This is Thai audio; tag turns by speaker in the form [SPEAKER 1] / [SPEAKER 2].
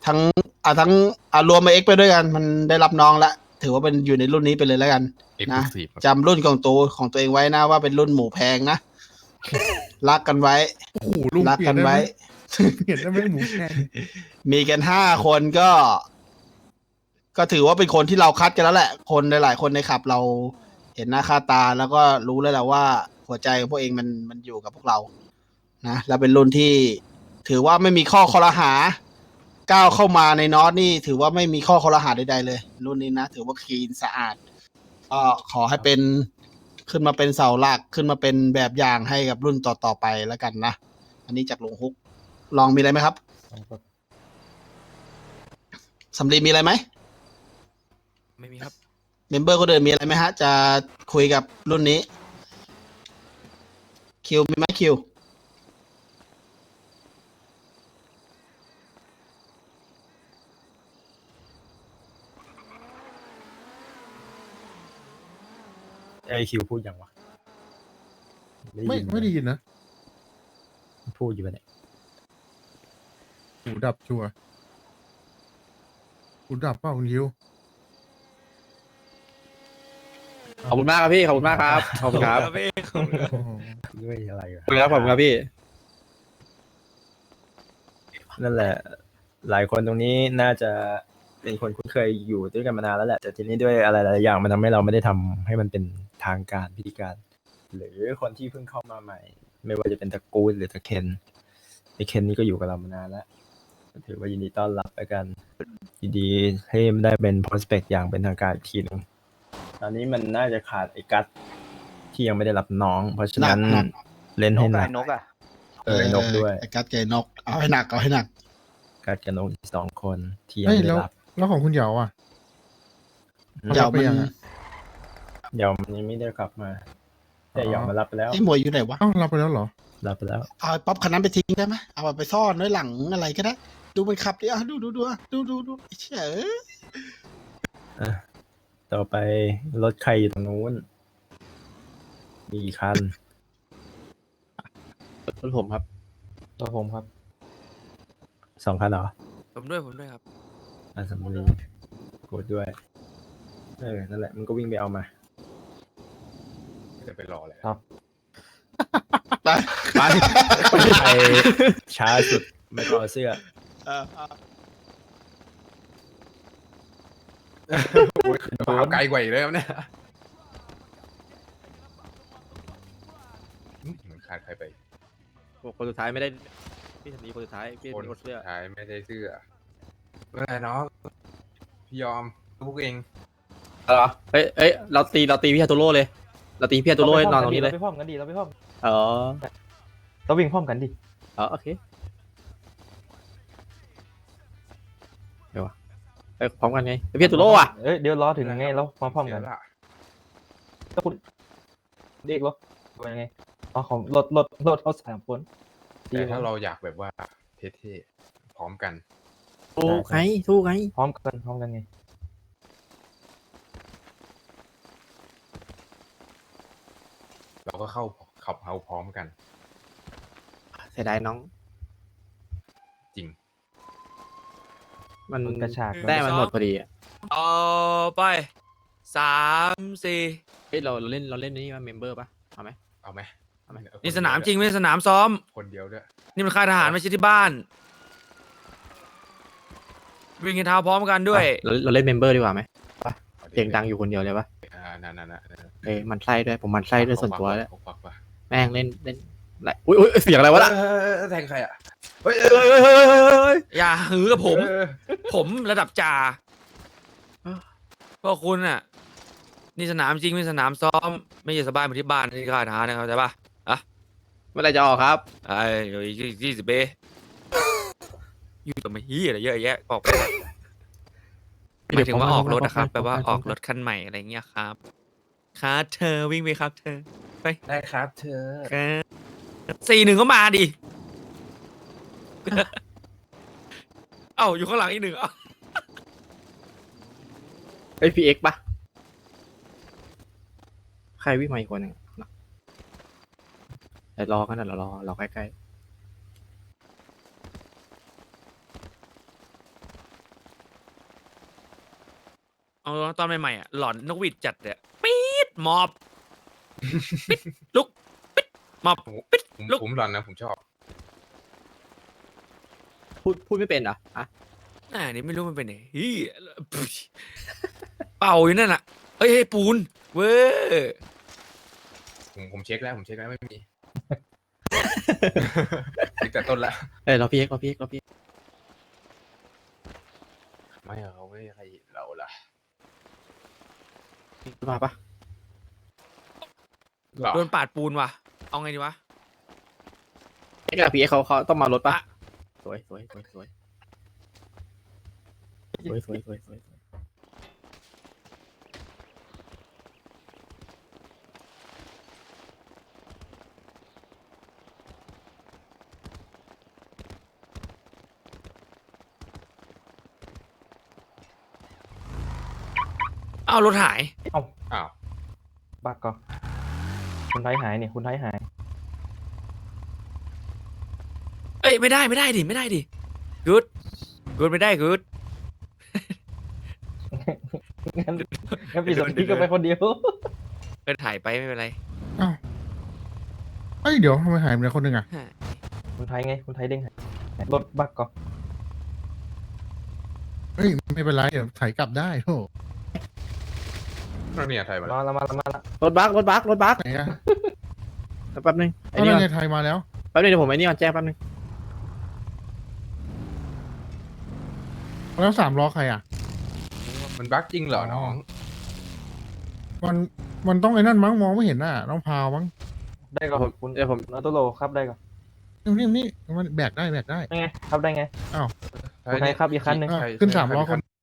[SPEAKER 1] ทั้งทั้งรวมมาเอ็กไปด้วยกันมันได้รับน้องละถือว่าเป็นอยู่ในรุ่นนี้ไปเลยแล้วกันนะจำรุ่นของตัวเองไว้นะว่าเป็นรุ่นหมูแพงนะรักกันไว้
[SPEAKER 2] โอ้โหลุง
[SPEAKER 1] รัก
[SPEAKER 2] เปลี่ย
[SPEAKER 1] กัน น
[SPEAKER 2] ได้ไหม
[SPEAKER 1] ไว้
[SPEAKER 2] เปลี่ยนได้ไหมหมูแพง
[SPEAKER 1] มีกัน5 คนก็ถือว่าเป็นคนที่เราคัดกันแล้วแหละ คนหลายๆคนในขับเราเห็นหน้าค่าตาแล้วก็รู้แล้วแหละว่าหัวใจของพวกเองมันอยู่กับพวกเรานะแล้วเป็นรุ่นที่ถือว่าไม่มีข้อคอรหาก้าวเข้ามาในนอตนี่ถือว่าไม่มีข้อคอรหาใดๆเลย รุ่นนี้นะถือว่าคลีนสะอาดก็ขอให้เป็นขึ้นมาเป็นเสาหลักขึ้นมาเป็นแบบอย่างให้กับรุ่นต่อๆไปแล้วกันนะอันนี้จากลุงฮุกลองมีอะไรไหมครับสำลีมีอะไรไหม
[SPEAKER 3] ไม่มีครับ
[SPEAKER 1] เมมเบอร์คนอื่นมีอะไรไหมฮะจะคุยกับรุ่นนี้คิวมีไหมคิว
[SPEAKER 4] ไอคิวพูดยังวะ
[SPEAKER 2] ไม่ได้ยินนะ
[SPEAKER 4] พูดอยู่ปะเนี่ย
[SPEAKER 2] หูดับชัวร์หูดับเปล่าคุณยิว
[SPEAKER 5] ขอบคุณมากครับพี่ขอบคุณมากครับขอบคุณครับ
[SPEAKER 3] พี่
[SPEAKER 2] โอ้โห
[SPEAKER 4] ด้วยอะไรอะ
[SPEAKER 5] ขอบคุณครับขอบคุณครับพี่
[SPEAKER 4] นั่นแหละ หลายคนตรงนี้น่าจะเป็นคนคุ้นเคยอยู่ด้วยกันมานานแล้วแหละแต่ทีนี้ด้วยอะไรหลายๆอย่างมันทำให้เราไม่ได้ทำให้มันเป็นทางการพิธีการ หรือคนที่เพิ่งเข้ามาใหม่ ไม่ว่าจะเป็นตระกูลหรือตะเคนไอเคนนี่ก็อยู่กับเรามานานแล้วถือว่ายินดีต้อนรับแล้วกันยินดีให้มันได้เป็น prospect อย่างเป็นทางการอีกทีหนึงตอนนี้มันน่าจะขาดไอ้กัสที่ยังไม่ได้รับน้อง เพราะฉะนั้น
[SPEAKER 1] หนัก
[SPEAKER 4] เล่นให้หนัก
[SPEAKER 6] นกอ่ะ
[SPEAKER 4] ไอ้นกด้วย
[SPEAKER 1] ไอ้กัดไก่นกเอาให้หนักเอาให้หนัก
[SPEAKER 4] กัสกับนกอีก2 คนที่ยัง
[SPEAKER 2] เฮ้ย
[SPEAKER 4] ไม่ได้
[SPEAKER 2] แล้ว
[SPEAKER 4] รับ
[SPEAKER 2] แล้วของคุณเหยาอ่ะ
[SPEAKER 1] เดี๋ยว
[SPEAKER 2] ไป
[SPEAKER 1] มัน
[SPEAKER 2] ยังอะ
[SPEAKER 4] เดี๋ยวมันยังไม่ได้กลับมา แต่ยอมมารับไปแล้ว
[SPEAKER 1] ไอ้หมวยอยู่ไหนวะ
[SPEAKER 2] เอ้ารับไปแล้วเหรอ
[SPEAKER 4] รับไปแล้ว
[SPEAKER 1] เอาไอ้ป๊อปคันนั้นไปทิ้งได้ไหมเอาไปซ่อนไว้หลังอะไรก็ได้ดูมันขับดิอ่ะดูไอ้เชี่ย
[SPEAKER 4] ต่อไปรถใครอยู่ตรงนู้น มีกี่คัน
[SPEAKER 5] รถผมครับ
[SPEAKER 4] ตัวผมครับ 2 คันเหรอ
[SPEAKER 3] ผมด้วยครับ
[SPEAKER 4] สมบุรีกดด้วย นั่นแหละ มันก็วิ่งไปเอามา
[SPEAKER 6] จะไปรอเลย
[SPEAKER 4] ครับ
[SPEAKER 1] ไป
[SPEAKER 5] ไป
[SPEAKER 4] ใครช้าสุดไม่ก็เอาเสื้อ
[SPEAKER 6] เอาไกลกว่าอีกเลยครับเนี่ยเหมือนขาดใครไป
[SPEAKER 5] คนสุดท้ายไม่ได้พี่สันนีคนสุดท้ายพี่
[SPEAKER 6] คน
[SPEAKER 5] มีคนเสื้อ
[SPEAKER 6] สุดท้ายไม่ได้เสื้อเมื่อไหร่น้องพี่ยอมพวกเอง
[SPEAKER 5] เหรอเอ้ยเราตีพี่ฮาโตโร่เลยเราตีพี่ฮาโตโร่ให้นอนตรงนี้เลย
[SPEAKER 4] เราไปพร้อมกันดิ
[SPEAKER 5] อ๋อ
[SPEAKER 4] เราวิ่งพร้อมกันดิ
[SPEAKER 5] อ๋อโอเคเดี๋ยววะเอ้ยพร้อมกันไงพี่ฮาโตโร่อะ
[SPEAKER 4] เดี๋ยวรอถึงไงเรามาพร้อมกัน
[SPEAKER 6] เดี๋ยวละ
[SPEAKER 4] แล้วคุณเรียกรถเป็นไงอ๋อของรถเขา3 คน
[SPEAKER 6] แต่ถ้าเราอยากแบบว่าเท่ๆพร้อมกัน
[SPEAKER 5] สู้ไง
[SPEAKER 4] พร้อมกันไง
[SPEAKER 6] เราก็เข้าขับเฮาพร้อมกัน
[SPEAKER 5] เสียดายน้อง
[SPEAKER 6] จริง
[SPEAKER 5] มัน
[SPEAKER 4] กระชาก
[SPEAKER 5] ได้มันหมดพอดีอะ
[SPEAKER 3] ต่อไป3 4
[SPEAKER 5] เฮ้ยเราเล่นนี่มาเมมเบอร์ป่ะเอาไหม
[SPEAKER 6] เอาไหม
[SPEAKER 3] นี่สนามจริงไม่ใช่สนามซ้อม
[SPEAKER 6] คนเดียวด้วย
[SPEAKER 3] นี่มันค่ายทหารไม่ใช่ที่บ้าน วิ่งกันเท้าพร้อมกันด้วย
[SPEAKER 5] เราเล่นเมมเบอร์ดีกว่าไหม
[SPEAKER 6] อาดิ
[SPEAKER 5] เสียงดังอยู่คนเดียวเลยปะ
[SPEAKER 6] นั่น
[SPEAKER 5] เอ้ยมันไส้ด้วยผมมันไส้ด้วยส่วนตัวแล้ว
[SPEAKER 6] ปักว่ะ
[SPEAKER 5] แม่งเล่นอะไรอุ้ยเสียงอะไรวะล่ะ
[SPEAKER 6] แทงใครอ่ะเฮ้ย
[SPEAKER 3] อย่าหือกับผม
[SPEAKER 6] เออ
[SPEAKER 3] ผมระดับจ่าพวกคุณอ่ะ นี่สนามจริงไม่ใช่สนามซ้อม ไม่ใช่สบายเหมือนที่บ้านที่ค่ายทหารนะครับเข้าใจปะอ่ะ
[SPEAKER 5] เมื่อไหรจะออกครับ
[SPEAKER 3] ไอ้เดี๋ยวอีก20 เบอยู่กับมาฮียอะไรเยอะแยะออกไปวะหมายถึงว่าออกรถนะครับแปลว่าออกรถคันใหม่อะไรเงี้ยครับครับเธอวิ่งไปครับเธอ
[SPEAKER 6] ได้ครับเธอ
[SPEAKER 3] ครับ41ก็มาดิ เอ้าอยู่ข้างหลังอีก1เอ้า
[SPEAKER 5] เอ้ยพีเอ็กปะใครวิ่งมาอีกคนหนึ่งนะเดี๋ยวรอกันนะรอใกล้
[SPEAKER 3] เอาตอนใหม่ๆอ่ะหลอนนกหวีดจัดเลยปี๊ดหมอบปิดลุกปิดหมอบปิดลุก
[SPEAKER 6] ผมหลอนนะผมชอบ
[SPEAKER 5] พูดไม่เป็นเหรออ่ะ
[SPEAKER 3] นี่ไม่รู้มันเป็นไงเฮียเป่าอยู่นั่นน่ะเอ้ยปูนเว้ย
[SPEAKER 6] ผมเช็คแล้วไม่มี เช็คแต่ต้นละ
[SPEAKER 5] เอ้ยเราพี่เอ็กเราพี่เอ็ก
[SPEAKER 6] ไม่เอาเว้ยใครเราล่ะ
[SPEAKER 5] มาปะ
[SPEAKER 6] หรอ
[SPEAKER 3] โดนปาดปูนว่ะเอาไงดีวะ
[SPEAKER 5] เอ็กกับพี่เอ็กเขาต้องมารถปะสวย
[SPEAKER 3] เอารถหาย
[SPEAKER 6] อ้าว
[SPEAKER 7] บักก็คุณไทยหายเนี่ยคุณไทยหาย
[SPEAKER 3] เอ้ยไม่ได้ดิกูดไม่ได้กูด
[SPEAKER 7] งั้นพี่สมพี่ก็ไปคนเดียว
[SPEAKER 3] ก็ถ่ายไปไม่เป็นไร
[SPEAKER 2] อ้าวเอ้ยเดี๋ยวทำไมหายไปไหนคนหนึ่งอ่ะ
[SPEAKER 7] คุณไทยไงคุณไทยเด้งหายรถบักก็
[SPEAKER 2] เฮ้ยไม่เป็นไรเดี๋ยวถ่ายกลับได้โธ่
[SPEAKER 6] เราเนี่ยไทยมา
[SPEAKER 7] มา
[SPEAKER 6] แล้ว
[SPEAKER 7] แล้วมาแล้ว
[SPEAKER 5] รถบัก
[SPEAKER 2] ไหนอ่ะ
[SPEAKER 5] แป๊บนึงไอ้
[SPEAKER 2] เอา
[SPEAKER 5] นี่
[SPEAKER 2] แล้ว
[SPEAKER 5] ก่อน
[SPEAKER 2] ไงไทยมาแล้ว
[SPEAKER 5] แป๊บนึงเดี๋ยวผมไอ้นี่ก่อนแจ้งแป๊บนึง
[SPEAKER 2] แล้วสามล้อใครอ่ะ
[SPEAKER 6] มันบั๊กจริงเหรอน้อง
[SPEAKER 2] มันต้องไอ้นั่นมั้งมองไม่เห็นน่ะต้องพาวมั้ง
[SPEAKER 7] ได้ก็คุณ
[SPEAKER 5] เดี๋ยวผม
[SPEAKER 7] นาโตโลครับได้ก็
[SPEAKER 2] นี่มันแบกได้
[SPEAKER 7] ไงครับได้ไง
[SPEAKER 2] อ้าว
[SPEAKER 7] คุณไทยครับอีกคันหนึ่ง
[SPEAKER 2] ขึ้นสามล้อคน